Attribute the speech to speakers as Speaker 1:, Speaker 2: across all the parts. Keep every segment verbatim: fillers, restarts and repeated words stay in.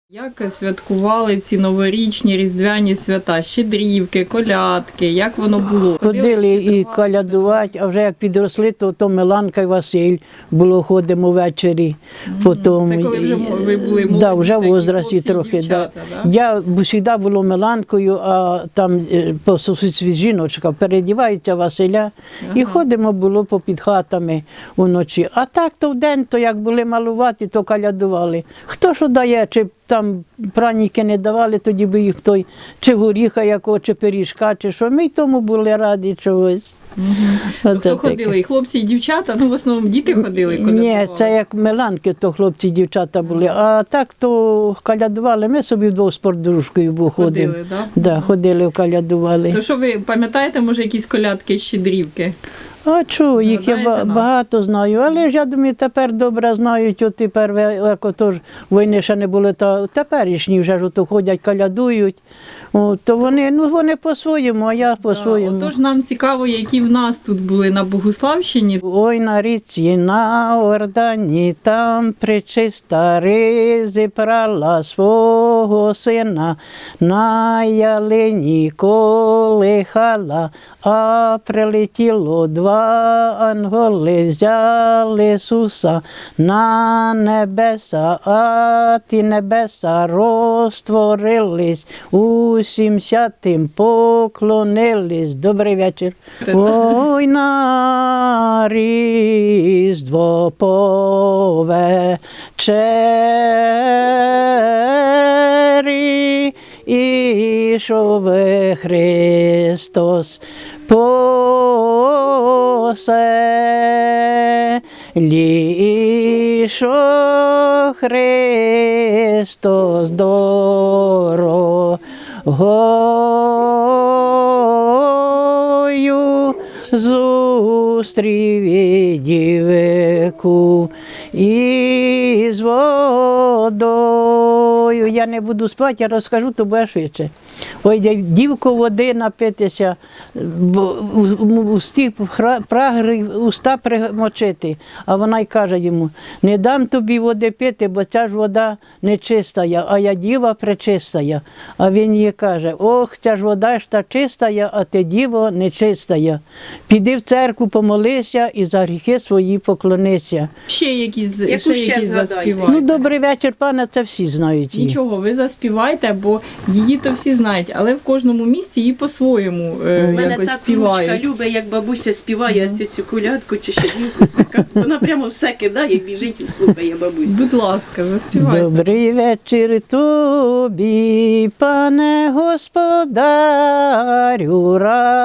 Speaker 1: Як святкували ці новорічні різдвяні свята, щедрівки, колядки, як воно було?
Speaker 2: Ходили і колядувати, а вже як підросли, то, то Миланка і Василь було, ходимо ввечері. Потім,
Speaker 1: Це коли вже ви були молоді,
Speaker 2: да, вже в
Speaker 1: такі
Speaker 2: возрасті
Speaker 1: хлопці і
Speaker 2: трохи.
Speaker 1: дівчата,
Speaker 2: Да.
Speaker 1: да?
Speaker 2: Я завжди була Миланкою, а там е, по сусідстві жіночка передівається Василя.
Speaker 1: Ага.
Speaker 2: І ходимо було попід хатами вночі. А так то вдень, то як були малувати, то колядували. Хто що дає, чи там праніки не давали, тоді би їх той, чи горіха якого, чи пиріжка, чи що. Ми й тому були раді чогось.
Speaker 1: Угу.
Speaker 2: Оце
Speaker 1: Хто
Speaker 2: таке.
Speaker 1: ходили? І хлопці, і дівчата? Ну, в основному діти ходили, колядували?
Speaker 2: Ні, це як Миланки, то хлопці, дівчата були. А так то колядували. Ми собі вдвох з подружкою був ходимо.
Speaker 1: Ходили, так?
Speaker 2: Да, ходили, колядували.
Speaker 1: То що ви пам'ятаєте, може, якісь колядки, щедрівки?
Speaker 2: А чого, їх я
Speaker 1: Згадаєте
Speaker 2: ба-
Speaker 1: нам?
Speaker 2: багато знаю, але ж я думаю, тепер добре знають, от тепер, як ото ж війни ще не було, то теперішні вже ж ото ходять, колядують, от, то вони, ну вони по-своєму, а я по-своєму.
Speaker 1: Отож, нам цікаво, які в нас тут були на Богуславщині.
Speaker 2: Ой, на річці, на Ордані, там пречиста ризи прала свого сина, на ялині колихала, а прилетіло два анголи, взяли Ісуса на небеса, а ті небеса розтворились, усім святим поклонились. Добрий вечір. Ой, на Різдво повечері ішов Христос по селі, ішов Христос дорогою, зустрів і дівку із водою. Я не буду спати, я розкажу, то буде швидше. Ой, дівко води напитися, бо усті прагри уста примочити. А вона й каже йому: не дам тобі води пити, бо ця ж вода нечистая, а я діва пречистая. А він їй каже: ох, ця ж вода ж та чистая, а ти діво нечистая. Піди в церкву, помолися і за гріхи свої поклонися.
Speaker 1: Ще якісь,
Speaker 3: Яку
Speaker 1: ще
Speaker 3: ще
Speaker 1: якісь
Speaker 3: згадайте?
Speaker 1: заспівайте.
Speaker 2: Ну, добрий вечір, пане, це всі знають її.
Speaker 1: Нічого, ви заспівайте, бо її то всі знають, але в кожному місті її по-своєму е,
Speaker 3: У мене
Speaker 1: якось
Speaker 3: так внучка
Speaker 1: співають.
Speaker 3: любить, як бабуся співає цю, цю колядку чи щедрівку. Це вона прямо все кидає, біжить і слухає бабусю.
Speaker 1: Будь ласка, заспівайте.
Speaker 2: Добрий вечір тобі, пане господарю,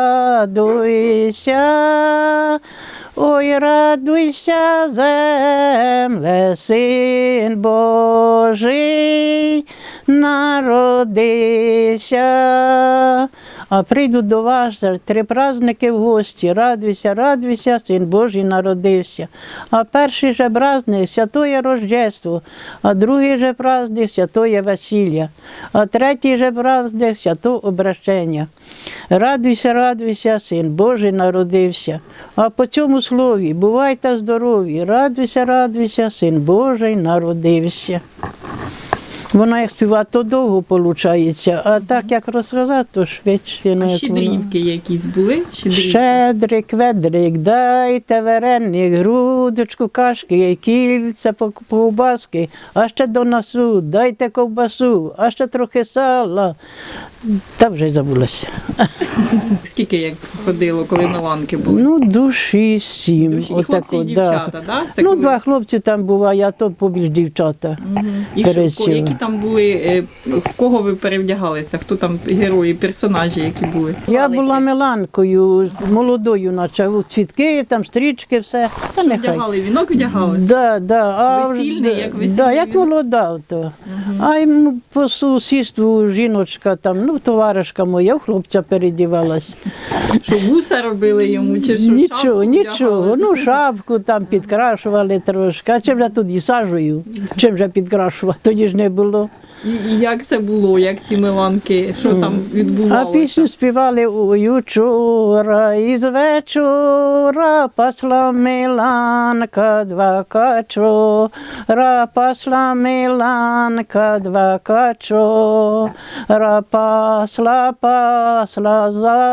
Speaker 2: радуйся. Ой, радуйся, земле, син Божий народився. А прийдуть до вас три праздники в гості. Радуйся, радуйся, син Божий народився. А перший же праздник – Святоє Рождество, а другий же праздник – Святоє Весілля, а третій же праздник – Свято Обращення. Радуйся, радуйся, син Божий народився. А по цьому слові: бувайте здорові, радуйся, радуйся, син Божий народився. Вона як співає, то довго виходить, а так як розказати, то швидше.
Speaker 1: А
Speaker 2: як воно.
Speaker 1: щедрівки якісь були? Щедрівки?
Speaker 2: Щедрик, ведрик, дайте вареник, грудочку кашки, кільця по- ковбаски, а ще до носу, дайте ковбасу, а ще трохи сала. Та вже й забулася.
Speaker 1: Скільки як ходило, коли Миланки були?
Speaker 2: Ну, душі сім.
Speaker 1: Душі. І
Speaker 2: Отак
Speaker 1: хлопці, і
Speaker 2: от,
Speaker 1: дівчата, да? Це
Speaker 2: Ну,
Speaker 1: коли-
Speaker 2: два хлопці там буває, а то побільш дівчата.
Speaker 1: Мгм. І що,
Speaker 2: пересіли.
Speaker 1: ко- які там були, е, в кого ви перевдягалися? Хто там герої, персонажі, які були?
Speaker 2: Я була Миланкою, молодою, наче у цвітки, там стрічки, все. Та
Speaker 1: Що
Speaker 2: нехай.
Speaker 1: вдягали? Вінок вдягали?
Speaker 2: Да, да. А,
Speaker 1: Весільний, як весільний
Speaker 2: да, як
Speaker 1: вінок?
Speaker 2: молода. То. А йому по сусідству жіночка, там, ну, товаришка моя, в хлопця передівалась.
Speaker 1: Що вуса робили йому? Чи що,
Speaker 2: Нічого,
Speaker 1: шапку
Speaker 2: нічого.
Speaker 1: вдягали?
Speaker 2: Ну, шапку там підкрашували трошки. А чим же тоді сажею? Чим же підкрашувати? Тоді ж не було. було.
Speaker 1: І, і як це було, як ці меланки, що там
Speaker 2: А
Speaker 1: відбувалося?
Speaker 2: пісню співали ой учора, із вечора пасла Миланка два качора, пасла Миланка два качора, пасла, пасла,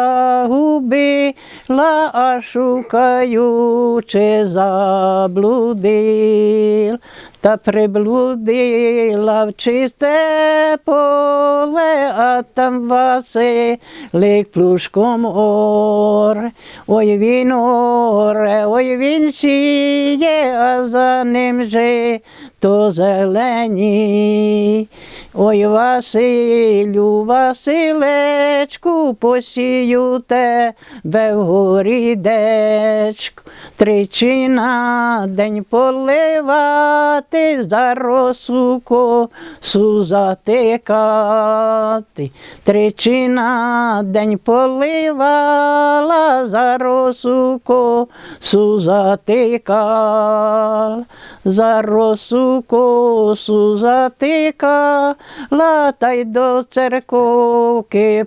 Speaker 2: загубила, а шукаючи заблудил. Та приблудила в чисте поле, а там Василик плужком оре. Ой він оре, ой він сіє, а за ним же то зелені. Ой, Василю, Василечку, посію тебе вгорі дечку, тричі на день поливати, за росу косу затикати. Тричі на день поливала, за росу косу затикала, за росу косу затикала, та й до церковки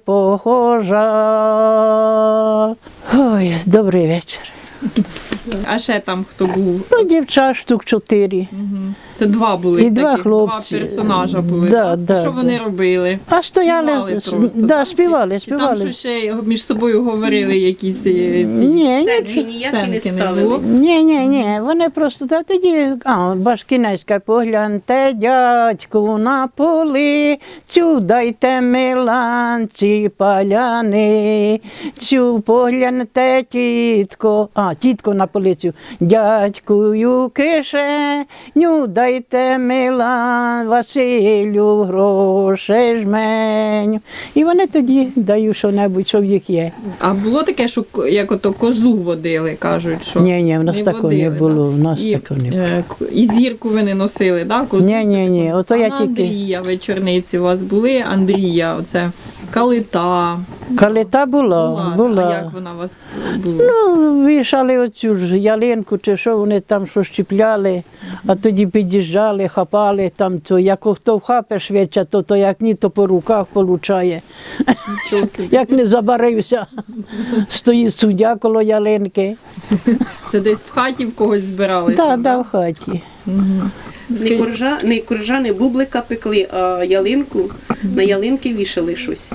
Speaker 2: похожа. Ой, добрий вечір.
Speaker 1: А ще там хто був?
Speaker 2: Ну, дівчат штук чотири.
Speaker 1: Це два були
Speaker 2: І два
Speaker 1: таких,
Speaker 2: хлопці.
Speaker 1: два персонажа були.
Speaker 2: Да,
Speaker 1: так?
Speaker 2: да,
Speaker 1: що вони
Speaker 2: да.
Speaker 1: робили?
Speaker 2: А стояли,
Speaker 1: Співали
Speaker 2: з-
Speaker 1: просто,
Speaker 2: да,
Speaker 1: так?
Speaker 2: співали,
Speaker 1: Чи там
Speaker 2: співали.
Speaker 1: що ще між собою говорили якісь е, ці
Speaker 2: Ні, ні,
Speaker 3: Сценки ніякі не
Speaker 1: сценки не
Speaker 3: ставили.
Speaker 1: було?
Speaker 2: Ні, ні, ні, вони просто та тоді, а, Башкінецька, погляньте, дядьку, на полицю, дайте Миланці паляницю, погляньте, тітко, а, тітко на полицю, дядькую кишеню, дайте Милан Василю грошей жменю. І вони тоді дають що-небудь, що в їх є.
Speaker 1: А було таке, що ко- як ото козу водили, кажуть, що
Speaker 2: Ні, ні, в нас такого не
Speaker 1: водили,
Speaker 2: було,
Speaker 1: да?
Speaker 2: в нас
Speaker 1: і,
Speaker 2: такого не було.
Speaker 1: е, к- І зірку ви не носили, так? Да?
Speaker 2: Ні, ні, ні, ото
Speaker 1: а
Speaker 2: я
Speaker 1: на
Speaker 2: тільки-
Speaker 1: Андрія вечорниці у вас були, Андрія, оце калита.
Speaker 2: Калита була,
Speaker 1: А
Speaker 2: була.
Speaker 1: як вона у вас була?
Speaker 2: Ну, вішали оцю ж ялинку, чи що вони там що щіпляли, а тоді під'їжджали, хапали там, то як хто вхапе швидше, то, то як ні, то по руках получає.
Speaker 1: Нічого собі.
Speaker 2: Як не забарився, стоїть суддя коло ялинки.
Speaker 1: Це десь в хаті в когось збиралися?
Speaker 2: Так, да, в хаті.
Speaker 3: Не коржа, не коржа, не бублика пекли, а ялинку, на ялинки вішали щось.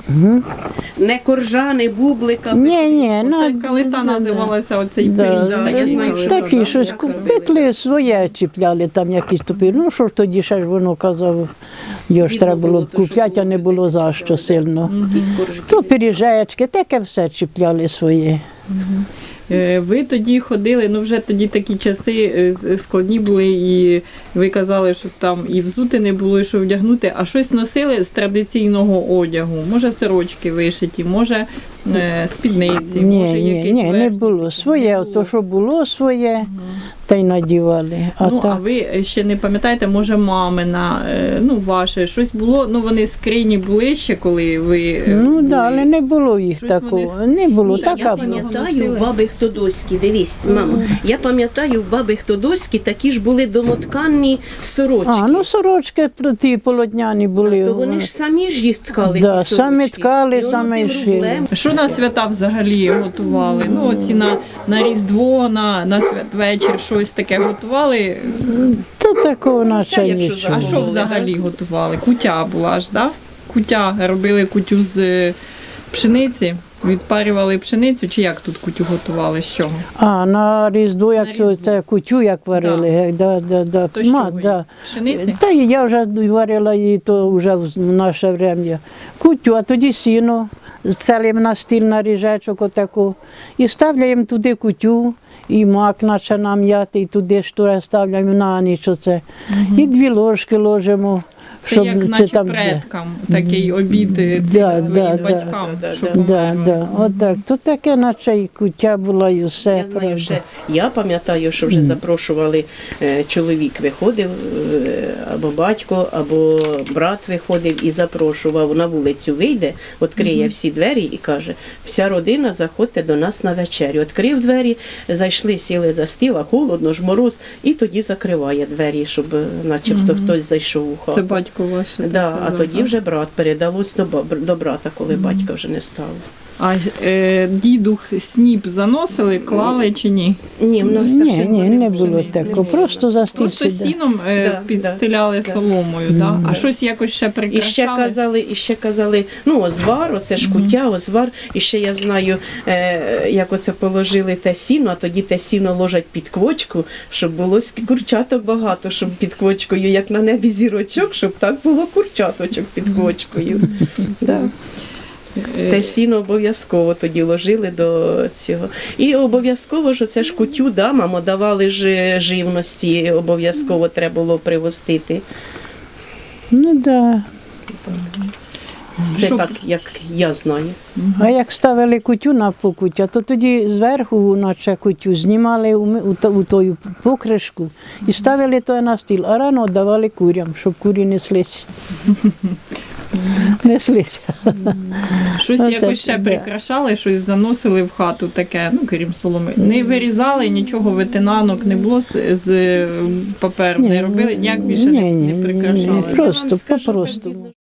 Speaker 3: Не коржа, не бублика пекли.
Speaker 2: Ні, ні,
Speaker 1: Це
Speaker 2: ну,
Speaker 1: калита називалася оцей
Speaker 2: да,
Speaker 1: пиріг.
Speaker 3: да, я знаю, що
Speaker 2: такі
Speaker 3: можна,
Speaker 2: щось
Speaker 3: як робили.
Speaker 2: пекли, своє чіпляли, там якісь топи. Ну, що ж тоді ще ж воно казав, його ж
Speaker 3: Бідно
Speaker 2: треба було
Speaker 3: було, то, що
Speaker 2: купляти, а не
Speaker 3: було,
Speaker 2: було
Speaker 3: таке
Speaker 2: за що
Speaker 3: чіпляли.
Speaker 2: сильно.
Speaker 3: Якісь коржики.
Speaker 2: То пиріжечки, таке все чіпляли своє.
Speaker 1: Е, Ви тоді ходили, ну вже тоді такі часи е, з- складні були, і ви казали, що там і взути не було, і що вдягнути, а щось носили з традиційного одягу. Може сорочки вишиті, може е, спідниці,
Speaker 2: Ні,
Speaker 1: може
Speaker 2: ні,
Speaker 1: якесь
Speaker 2: ні, не
Speaker 1: верхнє.
Speaker 2: було. Своє,
Speaker 1: Не було.
Speaker 2: то, що було своє, та й надівали. А
Speaker 1: Ну, а
Speaker 2: так,
Speaker 1: ви ще не пам'ятаєте, може, мамина, е, ну, ваше, щось було, ну, вони скрині були ще, коли ви е,
Speaker 2: ну,
Speaker 1: були?
Speaker 2: да, але не було їх
Speaker 1: Щось
Speaker 2: такого.
Speaker 1: вони
Speaker 2: Не було,
Speaker 3: Ні,
Speaker 2: така
Speaker 3: я
Speaker 2: була.
Speaker 3: пам'ятаю в баби Хтодоські, дивись, мамо, я пам'ятаю в баби Хтодоські такі ж були домотканні сорочки.
Speaker 2: А, ну сорочки про ті полотняні були.
Speaker 3: То вони ж самі ж їх ткали.
Speaker 2: Да,
Speaker 3: ті
Speaker 2: самі
Speaker 3: сорочки.
Speaker 2: ткали,
Speaker 3: І воно
Speaker 2: самі
Speaker 3: тим
Speaker 2: шили.
Speaker 3: рублем.
Speaker 1: Що на свята взагалі готували? Ну, оці на, на Різдво, на, на святвечір щось таке готували.
Speaker 2: Та такого наче
Speaker 3: якщо
Speaker 2: нічого.
Speaker 1: А що
Speaker 3: Було,
Speaker 1: взагалі
Speaker 3: так?
Speaker 1: готували? Кутя була ж, так? Да? Кутя, робили кутю з е, пшениці, відпарювали пшеницю, чи як тут кутю готували? З чого?
Speaker 2: А, на Різдво, як
Speaker 1: На
Speaker 2: це,
Speaker 1: Різдво.
Speaker 2: це кутю, як варили, гек, да, да, да.
Speaker 1: То з
Speaker 2: Ма,
Speaker 1: чого?
Speaker 2: да.
Speaker 1: З пшениці?
Speaker 2: Та і я вже варила її, то вже в наше время. Кутю, а тоді сіно, целим на стіл на ріжечок отаку. І ставляємо туди кутю, і мак наче нам'яти, і туди ж туди ставляємо на ніч оце. І дві ложки ложимо.
Speaker 1: Це як
Speaker 2: чи
Speaker 1: наче
Speaker 2: там де.
Speaker 1: предкам, такий обід е, цим
Speaker 2: Да,
Speaker 1: своїм
Speaker 2: да, да.
Speaker 1: батькам,
Speaker 3: Да,
Speaker 1: щоб
Speaker 3: да,
Speaker 2: Да,
Speaker 1: померли.
Speaker 2: да, отак. То таке, наче і кутя була, і все.
Speaker 3: Я знаю,
Speaker 2: правда.
Speaker 3: ще я пам'ятаю, що вже запрошували, е, чоловік виходив, е, або батько, або брат виходив і запрошував на вулицю, вийде, відкриє всі двері і каже: вся родина, заходьте до нас на вечерю. Відкрив двері, зайшли, сіли за стіл, а холодно ж, мороз, і тоді закриває двері, щоб е, начебто хтось зайшов у хату.
Speaker 1: Це батько батько ваш.
Speaker 3: Да, а
Speaker 1: казав,
Speaker 3: тоді
Speaker 1: так?
Speaker 3: вже брат передалось до, ба- до брата, коли батька вже не стало.
Speaker 1: А е, дідух сніп заносили, клали чи ні?
Speaker 3: Ні, в нас
Speaker 2: Ні,
Speaker 3: такого
Speaker 2: ні, не було
Speaker 3: не
Speaker 2: такого.
Speaker 3: було.
Speaker 2: Просто за стіль
Speaker 1: Просто
Speaker 2: сідали.
Speaker 1: сіном е,
Speaker 3: Да,
Speaker 1: підстеляли
Speaker 3: да,
Speaker 1: соломою, да? А щось якось ще
Speaker 3: І ще
Speaker 1: прикрашали?
Speaker 3: казали, і ще казали, ну, озвар, оце ж куття, озвар. І ще я знаю, е, як оце положили те сіно, а тоді те сіно ложать під квочку, щоб було ск- курчаток багато, щоб під квочкою, як на небі зірочок, щоб так було курчаточок під квочкою. Да.
Speaker 1: Е,
Speaker 3: Те сіно обов'язково тоді ложили до цього. І обов'язково ж оце ж кутю, да, мамо, давали ж живності, обов'язково треба було привозити.
Speaker 2: Ну да.
Speaker 3: Це
Speaker 1: Щоб-
Speaker 3: так, як я знаю.
Speaker 2: А як ставили кутю на покуття, то тоді зверху, наче кутю, знімали у, ми- у, та- у тою покришку і ставили то на стіл, а рано давали курям, щоб курі неслись. Неслися.
Speaker 1: Щось
Speaker 2: Оце
Speaker 1: якось ще
Speaker 2: да.
Speaker 1: прикрашали, щось заносили в хату таке, ну крім соломи. Не вирізали нічого, ветенанок не було з, з паперу, не робили, ніяк більше
Speaker 2: Ні,
Speaker 1: не,
Speaker 2: ні,
Speaker 1: не
Speaker 2: ні,
Speaker 1: прикрашали.
Speaker 2: ні, просто,
Speaker 3: Я вам скажу,
Speaker 2: попросту.
Speaker 3: так,